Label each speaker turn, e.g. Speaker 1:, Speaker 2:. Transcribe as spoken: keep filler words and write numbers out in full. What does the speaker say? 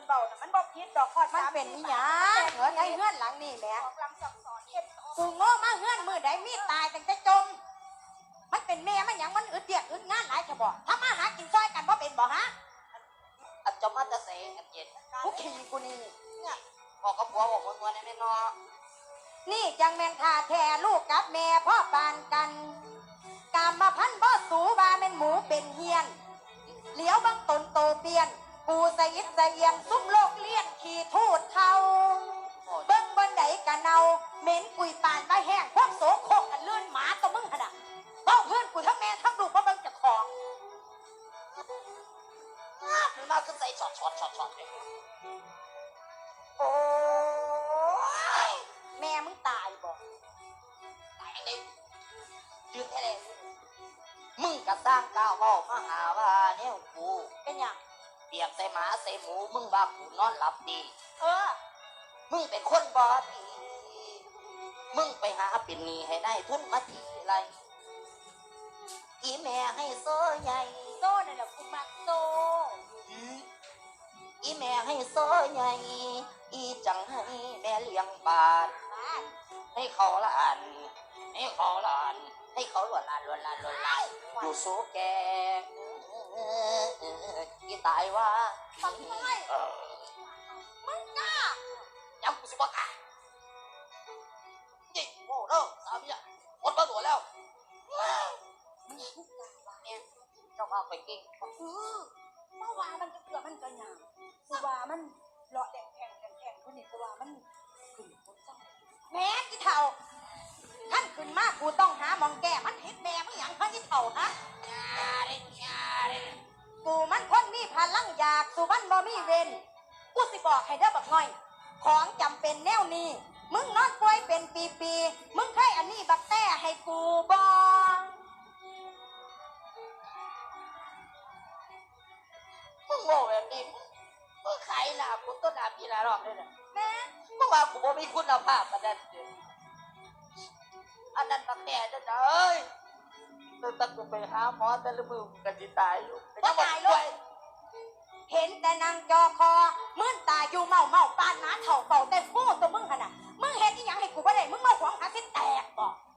Speaker 1: เบาน่ะมันบ่ผิดดอกคอดมันเป็นหยังเหรอไอ้เฮือนหลังนี่แหละกูโง่มาเฮือนมือใดมีตายตั้งแต่จมมันเป็นแม่มันหยังมันอึดเดียดอึดงานหลายจะบอกถ้ามาหากินซอยกันบ่เป็นบ่ฮะ
Speaker 2: อันจะมาจะเสงกันเย็น
Speaker 1: กูขี่กูนี่
Speaker 2: เนี่ยบอกกับผัวบอกวันวันนี้ไม่นอ
Speaker 1: นี่จังแม่นท่าแท้ลูกกับแม่พ่อปานกันกามมาพันบ่สูว่าแม่นหมูเป็นเฮียนเหลียวบังตนโตเปียนปูสยิดสเอียงซุ้มโลกเลี้ยนขี่ทูดเทาเบิ้งบนไหนกันเอาเหม็นกุยปานใบแห้งพวกโสโคกกันเลื่อนหมาตัวมึงขนาดต้องเพื่อนกูทั้งแม่ทั้งลูกเพราะมึงจะของ
Speaker 2: มันมาขึ้นใส่ช็อตช็อตช็อตช็อตเลย
Speaker 1: โอ้ยแม่มึงตายบ่
Speaker 2: ตายเลยยืนแค่เลยมึงกระสร้างก้าวเว้ามาหาว่าเนี่ยกู
Speaker 1: เป็นอย่าง
Speaker 2: เปียกใส่หมาใส่หมูมึงว่ากูนอนหลับดี
Speaker 1: เออ
Speaker 2: มึงเป็นคนบอดีมึงไปหาเป็นหนี้ให้ได้ทุนมาทีไรอีแม่ให้โซ่ใหญ่
Speaker 1: โซ่นั่นแหละกูมักโซ่
Speaker 2: อีแม่ให้โซ่ใหญ่อีจังให้แม่เลี้ยงบาทให้เขาละอันให้เขาละอันให้เขาหลวนลานหลวนลานหลวนลานอยู่โซ่แกอีตายว่า
Speaker 1: ฟังไม่มึงกล้า
Speaker 2: ยังกูสิบ่กล้ายิ่งโง่เด้อสามีอ่ะหมดมาตัวแล้วเนี่ยเจ้ามาไปกิน
Speaker 1: เออเมื่อวานมันจะเกือบมันจะหยาบกูว่ามันเลาะแดงแข็งแข็งแข็งคนนี้กูว่ามันขึ้นคนเศร้าแม่ที่เท่าท่านขึ้นมากกูต้องหามองแก้มันเห็นแม่มึงอย่างท่านที่เท่าฮะกูมันคนมีพลังอยากสู่มันบ่มีเวรกูสิบอกให้เด้อบักน้อยของจำเป็นแนวนี้มึงนอนป่วยเป็นปีๆมึงเคยอันนี้บักแต่ให้กูบ่
Speaker 2: มึงโง่แบบนี้มึงขายหน้ากูต้นหน้าพี่หน้ารอบเลยนะ
Speaker 1: แม่
Speaker 2: มึงว่ากูบ่มีคุณภาพอันนั้นอันนั้นบักแน่จ้ะเอ้ยตั้งแต่กูไปหาหมอแต่ละมือกันสิตายอยู่
Speaker 1: ก็ตายเลยเห็นแต่นางจอคอมื่นตาอยู่เมาเมาปานหนาเถ่าเป่าแต่ฟูตัวมึงขนาดมึงเห็นที่ยังให้กูบ่ได้มึงมาหวงหาสิแตกบ่